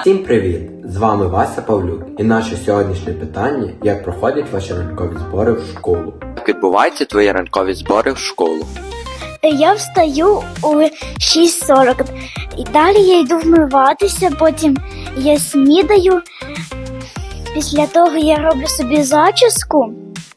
Всім привіт! З вами Вася Павлюк і наше сьогоднішнє питання: як проходять ваші ранкові збори в школу? Як відбуваються твої ранкові збори в школу? Я встаю о 6:40 і далі я йду вмиватися, потім я снідаю. Після того я роблю собі зачіску,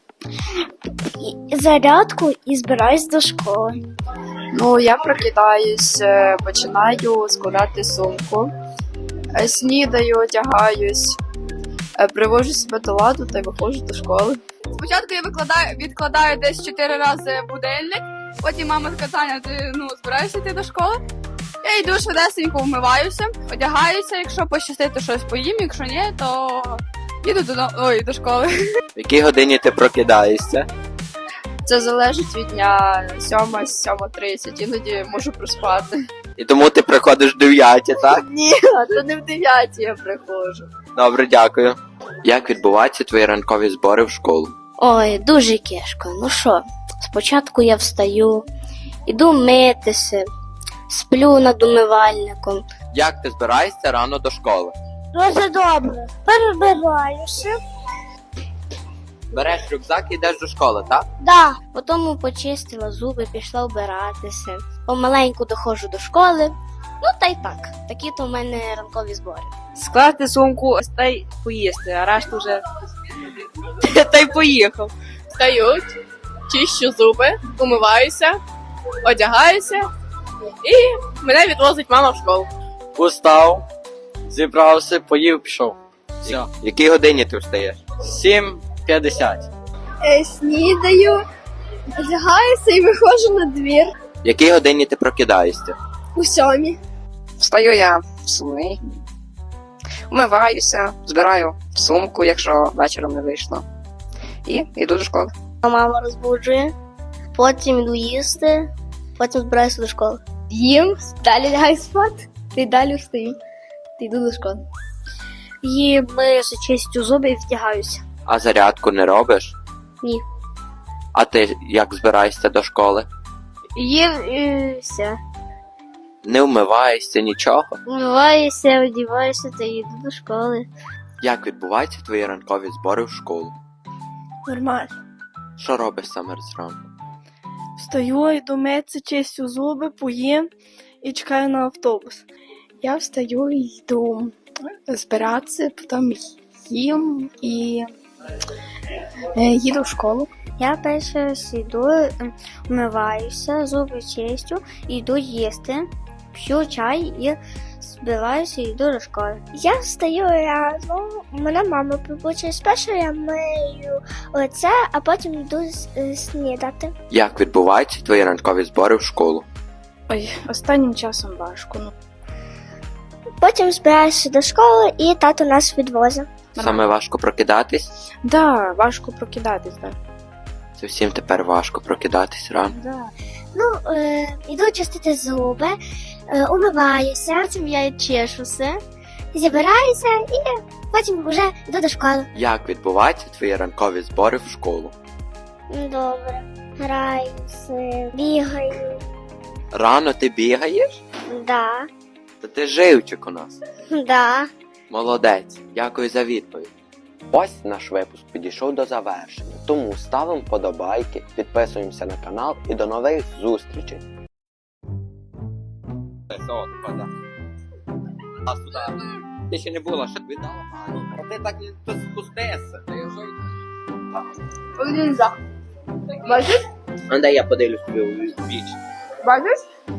зарядку і збираюсь до школи. Ну, я прокидаюсь, починаю складати сумку, снідаю, одягаюсь, привожу себе до ладу та й виходжу до школи. Спочатку я відкладаю десь 4 рази будильник, потім мама сказала, ти збираєшся йти до школи. Я йду швидесенько, вмиваюся, одягаюся, якщо пощастить, то щось поїм, якщо ні, то їду до школи. В якій годині ти прокидаєшся? Це залежить від дня, 7-7:30, іноді можу проспати. І тому ти приходиш в 9, так? Ні, то не в 9 я приходжу. Добре, дякую. Як відбуваються твої ранкові збори в школу? Ой, дуже кешко. Ну що, спочатку я встаю, іду митися, сплю над умивальником. Як ти збираєшся рано до школи? Дуже добре. Перебираюся. Береш рюкзак і йдеш до школи, так? Да. Потім почистила зуби, пішла вбиратися. Помаленьку доходжу до школи. Ну та й так. Такі то в мене ранкові збори. Скласти сумку та й поїсти, а решту вже та й поїхав. Встаю, чищу зуби, умиваюся, одягаюся і мене відвозить мама в школу. Устав, зібрався, поїв, пішов. Все. В якій годині ти встаєш? 7:50. Снідаю, одягаюся і виходжу на двір В якій годині ти прокидаєшся? у 7. Встаю я в 7, вмиваюся, збираю сумку, якщо вечором не вийшло, і йду до школи. Мама розбуджує, потім йду їсти, потім збираюся до школи. Їм, далі лягаю спати, і далі встаю, і йду до школи. Їм, миюся, чистю зуби і вдягаюся. А зарядку не робиш? Ні. А ти як збираєшся до школи? Їм і все. Не вмиваєшся, нічого? Вмиваюся, одіваюся та йду до школи. Як відбуваються твої ранкові збори в школу? Нормально. Що робиш саме зранку? Встаю, йду митися, чистю зуби, поїм і чекаю на автобус. Я встаю і йду збиратися, потім їм і їду в школу. Я перше йду, вмиваюся, зуби чистю, йду їсти, п'ю чай і збираюся і йду до школи. Я встаю рано, мене мама побучить. Спершу я мию лице, а потім йду снідати. Як відбуваються твої ранкові збори в школу? Ой, останнім часом важко. Потім збираюся до школи і тато нас відвозить. Саме важко прокидатись? Да, важко прокидатись, так. Це всім тепер важко прокидатись рано. Да. Ну, йду чистити зуби, умиваюся, потім я чешуся, зібираюся і потім вже йду до школи. Як відбуваються твої ранкові збори в школу? Добре. Граюся, бігаю. Рано ти бігаєш? Да, Та ти живчик у нас. да. Молодець, дякую за відповідь. Ось наш випуск підійшов до завершення, тому ставимо вподобайки, підписуємося на канал і до нових зустрічей. Ти ще не була, що віддала Аню. А ти так не спустися. Бачиш? А дай я подивлюсь тобі у віч. Бачиш?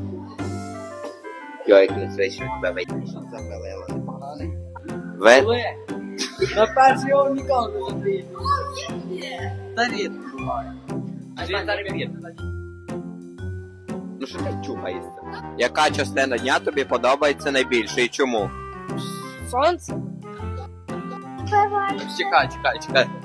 Йо, як не свечу тебе вийти. Ви? На перший його ніколи не забіг. Та рідко буває. А він зараз рідко. Ну що ти чухаєшся? Яка частина дня тобі подобається найбільше і чому? Сонце. Чекай.